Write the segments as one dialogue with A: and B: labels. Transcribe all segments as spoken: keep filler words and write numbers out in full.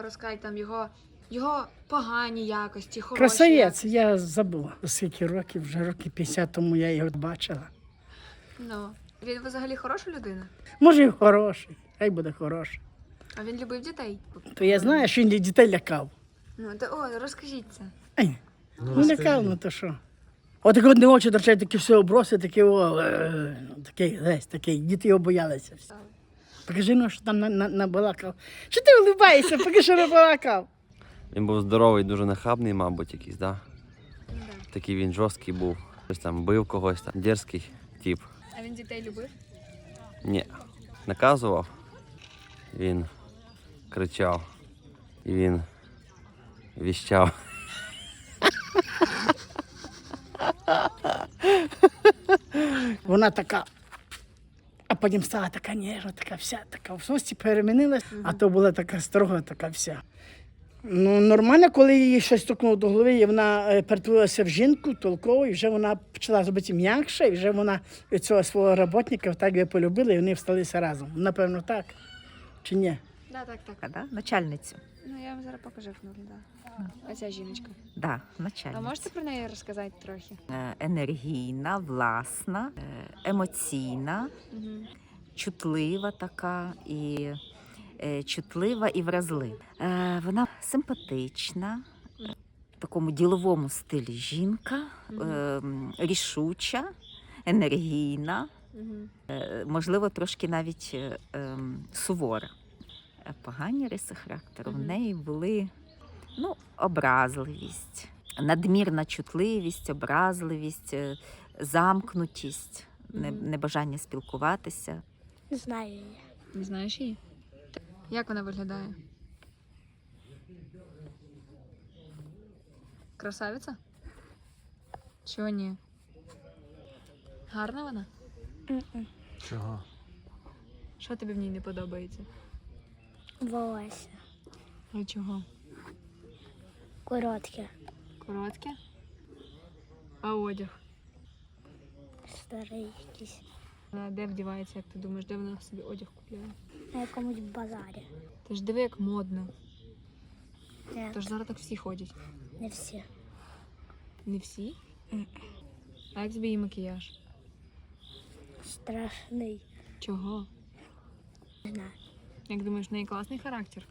A: розказати там його, його погані якості, хороші
B: Красавець,
A: якості.
B: я забула, скільки років, вже років п'ятдесят тому я його бачила.
A: Ну, він взагалі хороша людина?
B: Може, і хороший, хай буде хороший.
A: А він любив дітей?
B: То я знаю, що він дітей лякав.
A: Ну, то о, розкажіть це.
B: Ай, ну лякав, ну то що. От як одне очі торчать, такі все оброси, такі о, е, такий, десь, такий, діти його боялися. всі. Покажи, ну, що там на, на, набалакав. Що ти улибаєшся, поки що набалакав?
C: Він був здоровий, дуже нахабний, мабуть, якийсь, да? Такий він жорсткий був. Хтось там бив когось, там дерзкий тип.
A: А він дітей любив?
C: Ні. Наказував, він кричав і він віщав.
B: Вона така, а потім стала така ніжна, така вся, така в сості перемінилась, а то була така строга, така вся. Ну, нормально, коли її щось стукнуло до голови, і вона е, перетворилася в жінку толкову, і вже вона почала робити м'якше, і вже вона цього свого роботника так би полюбила, і вони всталися разом. Напевно, так. Чи ні?
A: Да, так, так.
D: А, да? Начальницю.
A: Ну, я вам зараз покажу, як виглядає. Оця жіночка.
D: Да,
A: А
D: начальницю.
A: можете про неї розказати трохи?
D: Е, Енергійна, власна, е, емоційна,
A: Угу.
D: чутлива така і е, чутлива і вразлива. Е, Вона симпатична, е, в такому діловому стилі жінка, е, м, рішуча, енергійна,
A: Угу.
D: е, можливо, трошки навіть е, ем, сувора. Е, Погані риси характеру в
A: Мгм.
D: неї були, ну, образливість, надмірна чутливість, образливість, е, замкнутість, не-
A: Мгм.
D: небажання спілкуватися.
E: Не знаю її.
A: Не знаєш її? Як вона виглядає? Красавиця? Чого ні? Гарна вона?
E: М-м.
F: Чого?
A: Що тобі в ній не подобається?
E: Волосся.
A: А чого?
E: Коротке.
A: Коротке? А одяг?
E: Старий якийсь.
A: Вона де вдівається, як ти думаєш, де вона собі одяг купляє?
E: На якомусь базарі.
A: Ти ж диви, як модно.
E: Ні,
A: Тож зараз так всі ходять.
E: не всі.
A: Не всі? А як тобі її макіяж?
E: Страшний.
A: Чого?
E: Не знаю.
A: Як думаєш, в неї класний характер?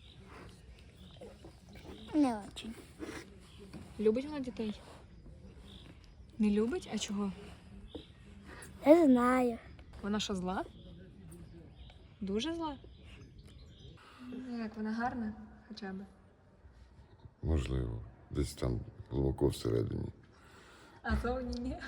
E: Не очень.
A: Любить вона дітей? Не любить? А чого?
E: Не знаю.
A: Вона що, зла? Дуже зла? Ну, як вона гарна хоча б.
G: Можливо, десь там глибоко всередині.
A: А зовні ні.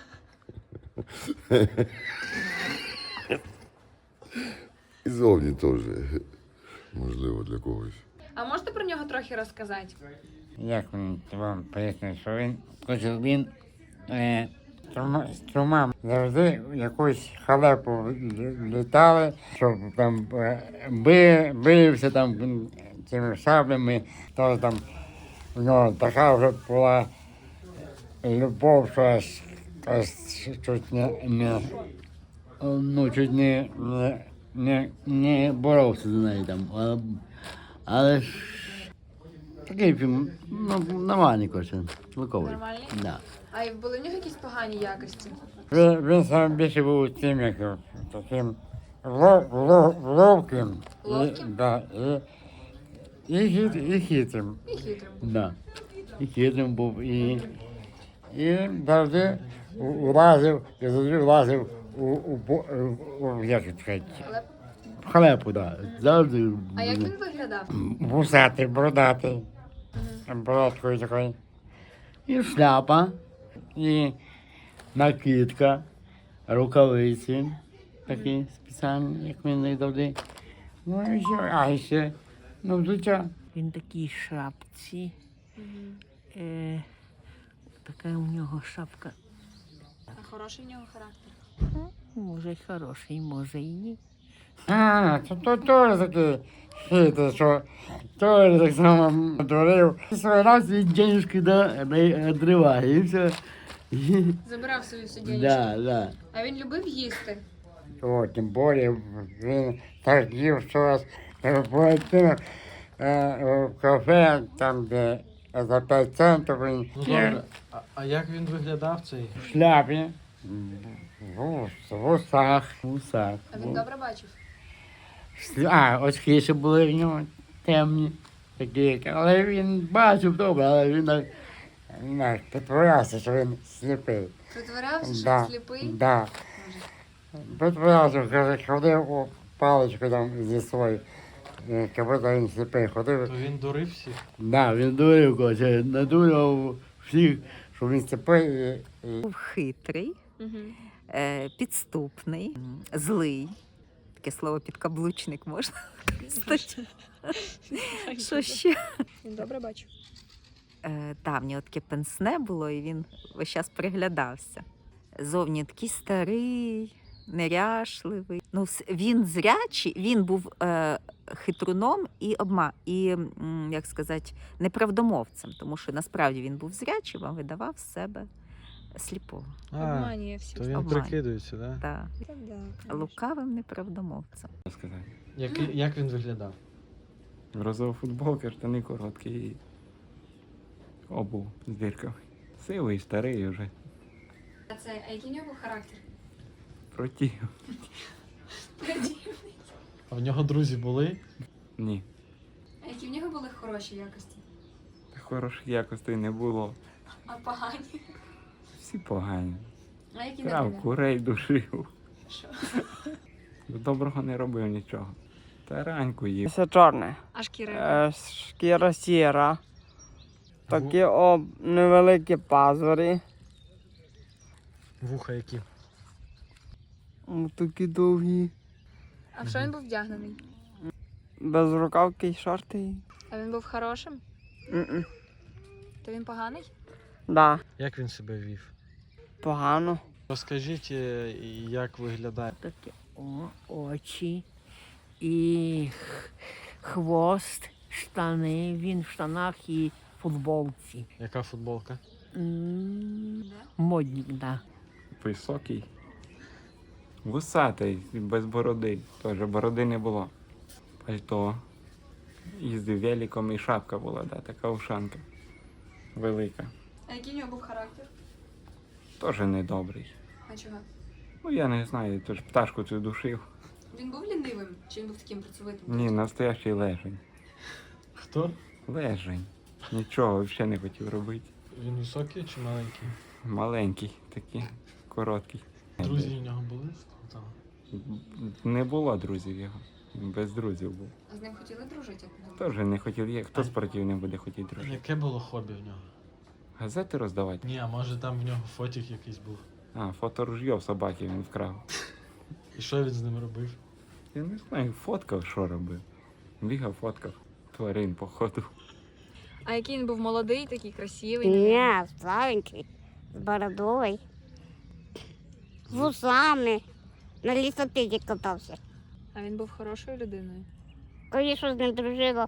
G: І зовні теж, можливо, для когось.
A: А можете про нього трохи розказати?
H: Як він вам пояснює, що він, хоче він е, з трьома завжди в якусь халепу літали, щоб там е, би, бився там цими шаблями, то там в нього така вже була любов, що аж, аж чуть не, не, ну, чуть не, не, не, не боровся за неї там, але, але ж такий фільм, ну, нормальний, коротше, луковий.
A: Нормальний?
H: Да.
A: А й були в нього якісь погані якості?
H: Він, він саме більше був тим, як таким лов, лов, ловким.
A: Ловким?
H: І, да, і, і, хит, і хитрим.
A: І хитрим.
H: Да. І хитрим був. І, і завжди влазив, і завжди влазив у, у, бо- у, у як це сказати,
A: Але...
H: в халепу, да. Завжди.
A: А як він виглядав?
H: Вусатий, бородатий. Бородкою такою. І шляпа, і накидка, рукавиці такі спеціальні, як він завжди. Ну і все, а ще, ну, взуття.
B: Він такій шапці. Е, така у нього шапка.
A: А хороший в нього характер?
B: Може й хороший, може й ні.
H: А, то, то теж такий хитрий, що теж так само творив. Свій раз він денежки да, відриває, і все.
A: Забирав свою суддєнічку.
H: Да, да.
A: А він любив їсти?
H: О, тим більше він так їв, що раз перед тим, е, в кафе, там, де за п'ять центів він
F: Ну добре, а, а як він виглядав цей?
H: в шляпі, в, ус- в усах, в усах.
A: А він добре бачив?
H: А, очки ще були в нього темні, такі, але він бачив добре, але він так, він так підтворявся, що він сліпий.
A: Притворявся, що
H: Да,
A: він сліпий?
H: да. Підтворявся, каже, ходив у паличку там зі своєю, е, як будто він сліпий ходив.
F: То він дурив всіх?
H: Да, він дурив, каже, надурив всіх, що він сліпий. І, і...
D: Був хитрий,
A: Угу.
D: е, підступний, м, злий. Таке слово підкаблучник можна використати. Що ще?
A: Він добре бачив.
D: Е, та, в нього таке пенсне було, і він весь час приглядався. Зовні такий старий, неряшливий. Ну, вс- він зрячий, він був е, хитруном і обма, і, м, як сказати, неправдомовцем, тому що насправді він був зрячим, а видавав з себе сліпого.
F: А,
A: Обманює всіх.
F: то він
D: Обманює.
F: прикидується, так? Да?
D: Та,
A: Та да, конечно.
D: лукавим неправдомовцем.
C: Сказати.
F: Як, як він виглядав?
C: Розова футболка, штани короткі і обув з дірками. Сивий, старий вже.
A: А це, а який в нього був характер?
C: Протів.
F: А в нього друзі були?
C: Ні.
A: А які в нього були хороші якості?
C: Хороших якостей не було.
A: А погані?
C: Всі погані.
A: А які
C: Крав,
A: наприклад?
C: курей душив.
A: Що?
C: Доброго не робив нічого. Тараньку їв.
I: Це чорне.
A: А шкіра?
I: Е, шкіра сіра. Такі об невеликі пазурі.
F: Вуха які?
I: М, Такі довгі.
A: А в що він був вдягнений?
I: Безрукавки й шорти.
A: А він був хорошим?
I: М-м.
A: То він поганий?
I: Да,
F: Як він себе вів?
I: погано.
F: Розкажіть, е, як виглядає.
B: Такі о, очі і х- хвост, штани, він в штанах і футболці.
F: Яка футболка?
B: М, Модник, да.
C: Високий. Вусатий, без бороди. Теж бороди не було. Пальто. Їздив великом і шапка була, да, така ушанка. Велика.
A: А який в нього був характер?
C: Теж недобрий.
A: А чого?
C: Ну я не знаю, то ж пташку цю душив.
A: Він був лінивим? Чи він був таким працьовитим?
C: Ні, настоящий лежень.
F: Хто?
C: Лежень. Нічого взагалі не хотів робити.
F: Він високий чи маленький?
C: Маленький, такий, короткий.
F: Друзі в нього були? Там.
C: Не було друзів його. Без друзів був.
A: А з ним хотіли дружити? як ви
C: Теж не хотів є. Хто спортив не буде хотіти дружити?
F: Яке було хобі в нього?
C: Газети роздавати?
F: Ні, а може там в нього фотік якийсь був.
C: А, фоторужьо в собаки він вкрав.
F: І що він з ним робив?
C: Я не знаю, фоткав, що робив. Бігав, фоткав. Тварин, походу.
A: А який він був молодий, такий красивий?
E: Ні, старенький, з бородою, з вусами, на лісопеді катався.
A: А він був хорошою людиною.
E: Звісно, з ним дружила.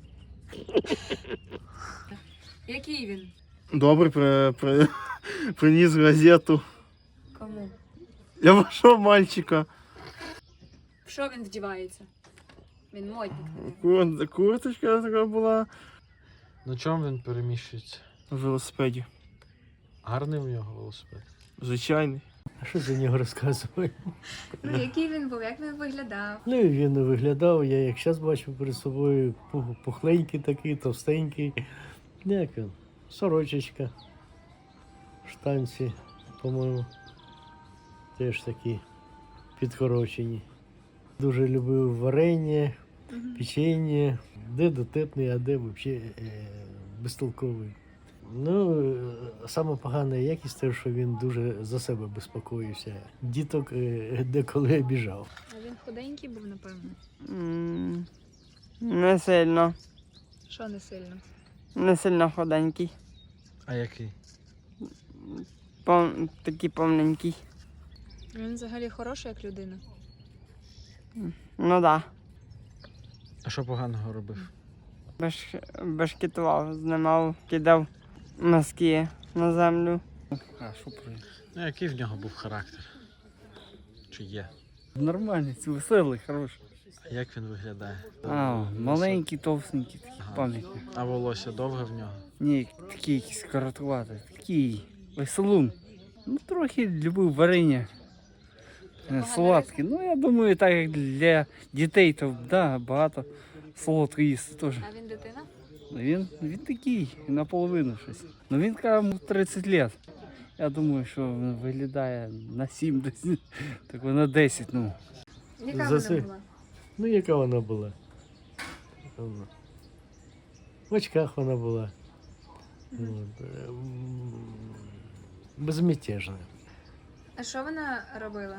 A: Який він?
J: Добре, при, при, приніс газету.
A: Кому?
J: Я вашого мальчика.
A: В що він вдівається? Він модник.
J: Кур, курточка така була.
F: На чому він переміщується?
J: На велосипеді.
F: Гарний у нього велосипед.
J: Звичайний.
K: А що за нього розказувати?
A: Ну, який він був, як він виглядав?
K: Ну, і він не виглядав, я як зараз бачу перед собою пух- пухленький такий, товстенький. Як він? Сорочечка. Штанці, по-моєму, теж такі підкорочені. Дуже любив варення, печення, де дотепний, а де взагалі е, безтолковий. Ну, е, саме погана якість те, що він дуже за себе безпокоївся. Діток е, деколи обіжав.
A: А він худенький був, напевно.
I: М, Не сильно.
A: Що не сильно?
I: Не сильно худенький.
F: А який?
I: Пов... Такий повненький.
A: Він взагалі хороший як людина.
I: Ну да.
F: А що поганого робив?
I: Беш... Бешкетував, знімав, кидав носки на землю.
J: А, що про
F: Ну, який в нього був характер? Чи є?
J: Нормальний, веселий, хороший.
F: Як він виглядає?
I: А, маленький, товстенький, такий
F: Ага.
I: пам'ятник.
F: А волосся довге в нього?
I: Ні, такий якийсь короткуватий, такий веселун. Ну, трохи любив варення. е, Солодке. Ну, я думаю, так як для дітей, то да, багато солодко їсти теж.
A: А він дитина?
I: Він, він такий, наполовину щось. Ну він каже, йому тридцять років. Я думаю, що він виглядає на сім, десь, так на десять, ну.
A: Яка
K: За це-
A: вона була?
K: Ну, яка вона була? Вона. В очках вона була. От, е, м, безмятежна.
A: А що вона робила?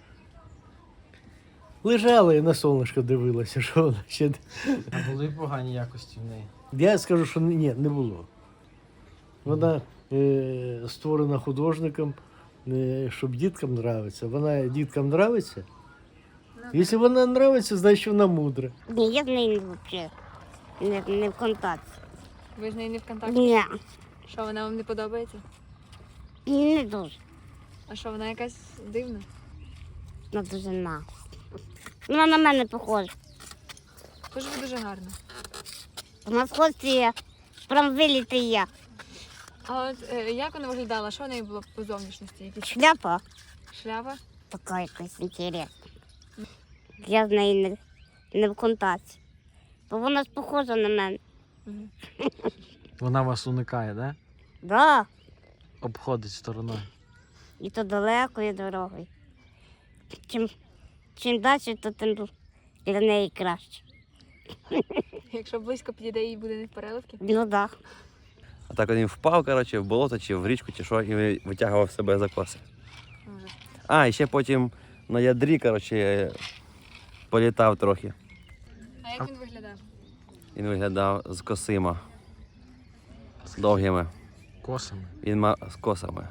K: Лежала і на сонечко дивилася, що вона ще.
F: А були погані якості в неї?
K: Я скажу, що ні, не було. Вона е, створена художником, е, щоб діткам нравиться. Вона діткам нравиться.
A: Ну,
K: Якщо вона нравиться, значить вона мудра.
E: Ні, я з нею взагалі не, не в контакті.
A: Ви з нею не в контакті?
E: Ні,
A: Що, вона вам не подобається?
E: не дуже.
A: А що, вона якась дивна?
E: Вона дуже на. Вона на мене похожа.
A: Тож ви дуже гарна.
E: Вона схожа є, прям виліти я.
A: А от е, як вона виглядала? Що в неї було по зовнішності? Якісь
E: Шляпа
A: шляпа?
E: така якась інтересна. Я з нею не, не в контакті. Бо вона ж похожа на мене.
A: Мгм.
F: Вона вас уникає, да?
E: Да,
F: Обходить стороною.
E: і то далекою дорогою. Чим, чим далі, то тим для неї краще.
A: Якщо близько підійде, їй буде не в переливки?
E: Ну так.
L: А так він впав, коротше, в болото чи в річку, чи що, і витягував себе за коси.
A: Ужас.
L: А, і ще потім на ядрі, коротше, політав трохи.
A: А як він виглядав?
L: Він виглядав з косима, з довгими.
F: Косами.
L: Він мав з косами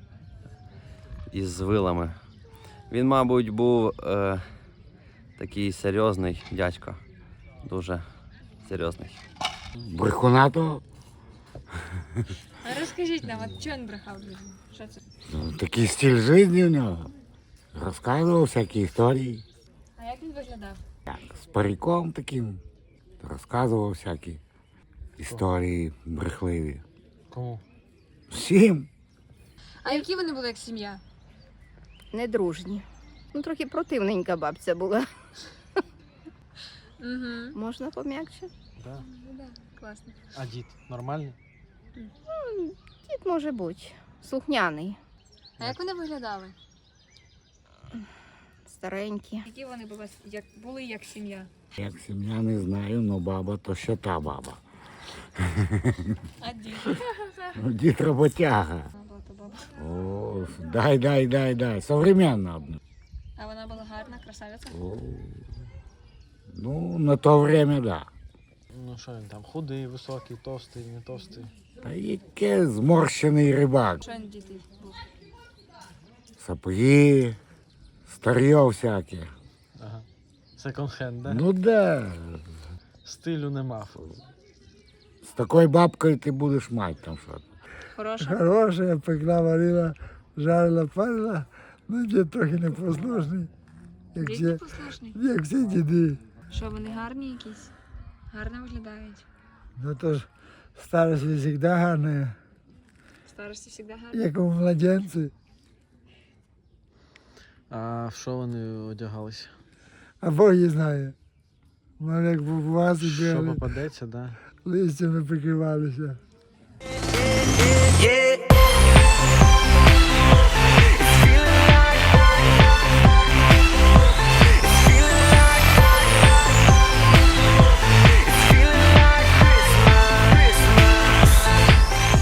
L: і з вилами. Він, мабуть, був е, такий серйозний дядько. Дуже серйозний.
H: Брехуна того?
A: А розкажіть нам, от чого він брехав людям? Що це?
H: Ну, такий стиль життя в нього. Розказував всякі історії.
A: А як він виглядав?
H: Так, з париком таким. Розказував всякі історії брехливі.
F: Кому?
H: Всім.
A: А які вони були як сім'я?
D: Недружні. Ну, трохи противненька бабця була.
A: Угу.
D: Можна пом'якше?
F: Да.
A: Ну да, класно.
F: А дід нормальний?
D: Дід може бути. Слухняний.
A: А як вони виглядали?
D: Старенькі.
A: Які вони були як, були як сім'я?
H: Як сім'я не знаю, але баба то ще та баба.
A: А дід?
H: Ну, дід роботяга.
A: Баба то баба.
H: О, дай, дай, дай, дай. Современна.
A: А вона була гарна, красавиця?
H: О, ну, на то время, да.
F: Ну що він там, худий, високий, товстий, не товстий.
H: Та яке зморщений рибак.
A: Що він діти був?
H: Сапоги, старьо всяке.
F: Ага. Секонд-хенд, да?
H: Ну да.
F: Стилю не мав.
H: З такою бабкою ти будеш мати там що.
A: Хороша?
J: Хороша, пекла, варила, жарила, парила. Ну, дід трохи непослушний, як
A: Дід
J: всі,
A: непослушний?
J: як всі діди.
A: Що вони гарні якісь? Гарно виглядають.
J: Ну, то ж старость завжди гарна,
A: В старості завжди гарні.
J: як у младенці.
F: А в що вони одягалися?
J: А Бог її знає. Мали як в вазі
F: Що
J: бігали,
F: попадеться, да?
J: листями прикривалися.
M: Yeah.